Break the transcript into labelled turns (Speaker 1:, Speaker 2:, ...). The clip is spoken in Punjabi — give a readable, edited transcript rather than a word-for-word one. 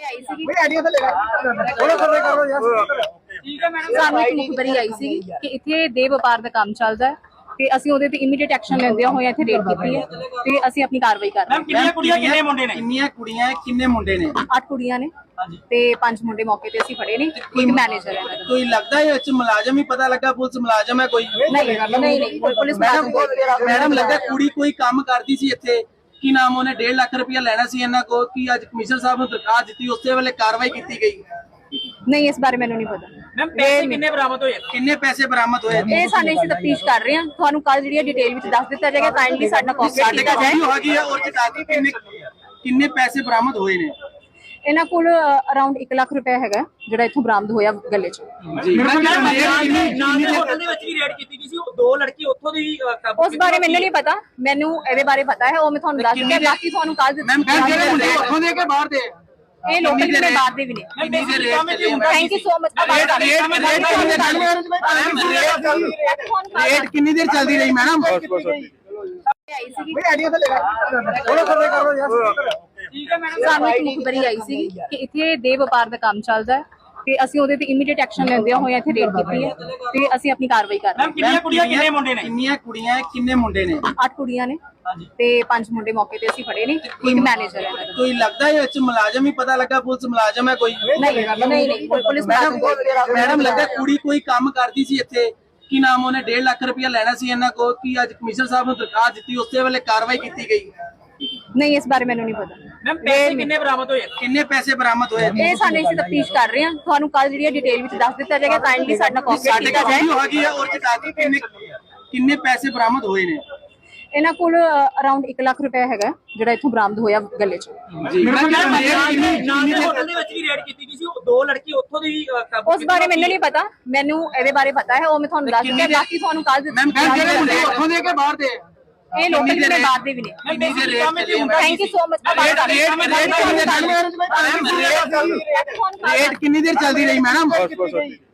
Speaker 1: ਆਈ ਸੀਗੀ ਸਾਨੂੰ ਇੱਕ ਮੁਖਬਰੀ ਆਈ ਸੀ ਕਿ ਇੱਥੇ ਦੇ ਵਪਾਰ ਦਾ ਕੰਮ ਚੱਲਦਾ ਹੈ ਤੇ ਅਸੀਂ ਉਹਦੇ ਤੇ ਇਮੀਡੀਏਟ ਐਕਸ਼ਨ ਲੈਂਦਿਆਂ ਹੋਇਆ ਇੱਥੇ ਰੇਡ ਕੀਤੀ ਹੈ ਤੇ ਅਸੀਂ ਆਪਣੀ ਕਾਰਵਾਈ ਕਰ ਰਹੇ ਹਾਂ।
Speaker 2: ਕਿੰਨੀਆਂ ਕੁੜੀਆਂ ਕਿੰਨੇ ਮੁੰਡੇ ਨੇ? ਕਿੰਨੀਆਂ ਕੁੜੀਆਂ ਕਿੰਨੇ ਮੁੰਡੇ ਨੇ?
Speaker 1: 8 ਕੁੜੀਆਂ ਨੇ ਤੇ 5 ਮੁੰਡੇ ਮੌਕੇ ਤੇ ਅਸੀਂ ਫੜੇ ਨੇ। ਇੱਕ ਮੈਨੇਜਰ ਹੈ।
Speaker 2: ਕੋਈ ਲੱਗਦਾ ਹੈ ਵਿੱਚ ਮੁਲਾਜ਼ਮ ਹੀ ਪਤਾ ਲੱਗਾ ਪੁਲਿਸ ਮੁਲਾਜ਼ਮ ਹੈ ਕੋਈ?
Speaker 1: ਨਹੀਂ ਪੁਲਿਸ
Speaker 2: ਮੈਡਮ ਲੱਗਾ ਕੁੜੀ ਕੋਈ ਕੰਮ ਕਰਦੀ ਸੀ ਇੱਥੇ, ਕੀ ਨਾਮ ਉਹਨੇ 1.5 ਲੱਖ ਰੁਪਇਆ ਲੈਣਾ ਸੀ ਇਹਨਾਂ ਕੋਲ, ਕੀ ਅੱਜ ਕਮਿਸ਼ਨਰ ਸਾਹਿਬ ਨੂੰ ਦਰਖਾਸਤ ਦਿੱਤੀ ਉਸੇ ਵੇਲੇ ਕਾਰਵਾਈ ਕੀਤੀ ਗਈ?
Speaker 1: ਨਹੀਂ ਇਸ ਬਾਰੇ ਮੈਨੂੰ ਨਹੀਂ ਪਤਾ।
Speaker 2: ਮੈਮ ਪੈਸੇ ਕਿੰਨੇ ਬਰਾਮਦ ਹੋਏ? ਕਿੰਨੇ ਪੈਸੇ ਬਰਾਮਦ ਹੋਏ?
Speaker 1: ਇਹ ਸਾਨੂੰ ਅਸੀਂ ਤਫਤੀਸ਼ ਕਰ ਰਹੇ ਹਾਂ। ਤੁਹਾਨੂੰ ਕੱਲ ਜਿਹੜੀ ਡਿਟੇਲ ਵਿੱਚ ਦੱਸ ਦਿੱਤਾ ਜਾਏਗਾ। ਕਾਈਂਡਲੀ ਸਾਡਾ ਕੋਆਪਰੇਟ ਕੀਤਾ ਜਾਏ।
Speaker 2: ਕਿੰਨੇ ਪੈਸੇ ਬਰਾਮਦ ਹੋਏ ਨੇ?
Speaker 1: ਇਹਨਾਂ ਕੋਲ ਅਰਾਊਂਡ 1 ਲੱਖ ਰੁਪਏ ਹੈਗਾ ਜਿਹੜਾ ਇੱਥੋਂ ਬਰਾਮਦ ਹੋਇਆ ਗੱਲੇ 'ਚ।
Speaker 2: ਜੀ ਹੋਟਲ ਦੇ ਵਿੱਚ ਵੀ ਰੇਡ ਕੀਤੀ ਗਈ ਸੀ, ਉਹ 2 ਲੜਕੀ ਉੱਥੋਂ ਦੀ
Speaker 1: ਉਸ ਬਾਰੇ ਮੈਨੂੰ ਨਹੀਂ ਪਤਾ। ਮੈਨੂੰ ਇਹਦੇ ਬਾਰੇ ਪਤਾ ਹੈ, ਉਹ ਮੈਂ ਤੁਹਾਨੂੰ ਦੱਸ ਦਿੰਦਾ। ਬਾਕੀ ਤੁਹਾਨੂੰ ਕੱਲ
Speaker 2: ਉੱਥੋਂ ਦੇ ਕੇ ਬਾਹਰ ਦੇ
Speaker 1: ਇਹ ਲੋਕਲ ਜਿਹੜੇ ਬਾਹਰ ਦੇ ਵੀ ਨੇ। Thank you so much.
Speaker 2: ਰੇਟ ਕਿੰਨੀ ਦੇਰ ਚੱਲਦੀ ਰਹੀ ਮੈਡਮ?
Speaker 1: ਸਾਨੂੰ ਇੱਕ ਮੁਖਬਰੀ ਆਈ ਸੀ ਕਿ ਇੱਥੇ ਦੇ ਵਪਾਰ ਦਾ ਕੰਮ ਚੱਲਦਾ ਹੈ ਤੇ ਅਸੀਂ ਉਹਦੇ ਤੇ ਇਮੀਡੀਏਟ ਐਕਸ਼ਨ ਲੈਂਦਿਆਂ ਹੋਇਆ ਇੱਥੇ ਰੇਡ ਕੀਤੀ ਹੈ ਤੇ ਅਸੀਂ ਆਪਣੀ ਕਾਰਵਾਈ ਕਰ ਰਹੇ ਹਾਂ।
Speaker 2: ਕਿੰਨੀਆਂ ਕੁੜੀਆਂ ਕਿੰਨੇ ਮੁੰਡੇ ਨੇ? ਕਿੰਨੀਆਂ ਕੁੜੀਆਂ ਕਿੰਨੇ ਮੁੰਡੇ ਨੇ?
Speaker 1: 8 ਕੁੜੀਆਂ ਨੇ ਤੇ 5 ਮੁੰਡੇ ਮੌਕੇ ਤੇ ਅਸੀਂ ਫੜੇ ਨੇ। ਇੱਕ ਮੈਨੇਜਰ ਹੈ।
Speaker 2: ਕੋਈ ਲੱਗਦਾ ਹੈ ਵਿੱਚ ਮੁਲਾਜ਼ਮ ਹੀ ਪਤਾ ਲੱਗਾ ਪੁਲਿਸ ਮੁਲਾਜ਼ਮ ਹੈ ਕੋਈ?
Speaker 1: ਨਹੀਂ ਪੁਲਿਸ
Speaker 2: ਮੈਡਮ ਲੱਗਾ ਕੁੜੀ ਕੋਈ ਕੰਮ ਕਰਦੀ ਸੀ ਇੱਥੇ, ਕੀ ਨਾਮ ਉਹਨੇ 1.5 ਲੱਖ ਰੁਪਇਆ ਲੈਣਾ ਸੀ ਇਹਨਾਂ ਕੋਲ, ਕੀ ਅੱਜ ਕਮਿਸ਼ਨਰ ਸਾਹਿਬ ਨੂੰ ਦਰਖਾਸਤ ਦਿੱਤੀ ਉਸੇ ਵੇਲੇ ਕਾਰਵਾਈ ਕੀਤੀ ਗਈ?
Speaker 1: ਨਹੀਂ ਇਸ ਬਾਰੇ ਮੈਨੂੰ ਨਹੀਂ ਪਤਾ।
Speaker 2: ਮੈਮ ਪੈਸੇ ਕਿੰਨੇ ਬਰਾਮਦ ਹੋਏ? ਕਿੰਨੇ ਪੈਸੇ ਬਰਾਮਦ ਹੋਏ?
Speaker 1: ਇਹ ਸਾਨੂੰ ਅਸੀਂ ਤਫਤੀਸ਼ ਕਰ ਰਹੇ ਹਾਂ। ਤੁਹਾਨੂੰ ਕੱਲ ਜਿਹੜੀ ਡਿਟੇਲ ਵਿੱਚ ਦੱਸ ਦਿੱਤਾ ਜਾਏਗਾ। ਕਾਈਂਡਲੀ ਸਾਡਾ ਕੋਆਪਰੇਟ ਕੀਤਾ ਜਾਏ।
Speaker 2: ਕਿੰਨੇ ਪੈਸੇ ਬਰਾਮਦ ਹੋਏ ਨੇ?
Speaker 1: ਇਹਨਾਂ ਕੋਲ ਅਰਾਊਂਡ 1 ਲੱਖ ਰੁਪਏ ਹੈਗਾ ਜਿਹੜਾ ਇੱਥੋਂ ਬਰਾਮਦ ਹੋਇਆ ਗੱਲੇ 'ਚ।
Speaker 2: ਹੋਟਲ ਦੇ ਵਿੱਚ ਵੀ ਰੇਡ ਕੀਤੀ ਗਈ ਸੀ, ਉਹ 2 ਲੜਕੀ ਉੱਥੋਂ ਦੀ
Speaker 1: ਉਸ ਬਾਰੇ ਮੈਨੂੰ ਨਹੀਂ ਪਤਾ। ਮੈਨੂੰ ਇਹਦੇ ਬਾਰੇ ਪਤਾ ਹੈ, ਉਹ ਮੈਂ ਤੁਹਾਨੂੰ ਦੱਸ ਦਿੰਦਾ। ਬਾਕੀ ਤੁਹਾਨੂੰ ਕੱਲ
Speaker 2: ਉੱਥੋਂ ਦੇ ਕੇ ਬਾਹਰ ਦੇ
Speaker 1: ਇਹ ਲੋਕਲ ਜਿਹੜੇ ਬਾਹਰ ਦੇ ਵੀ ਨੇ। Thank you so much.
Speaker 2: ਰੇਟ ਕਿੰਨੀ ਦੇਰ ਚੱਲਦੀ ਰਹੀ ਮੈਡਮ?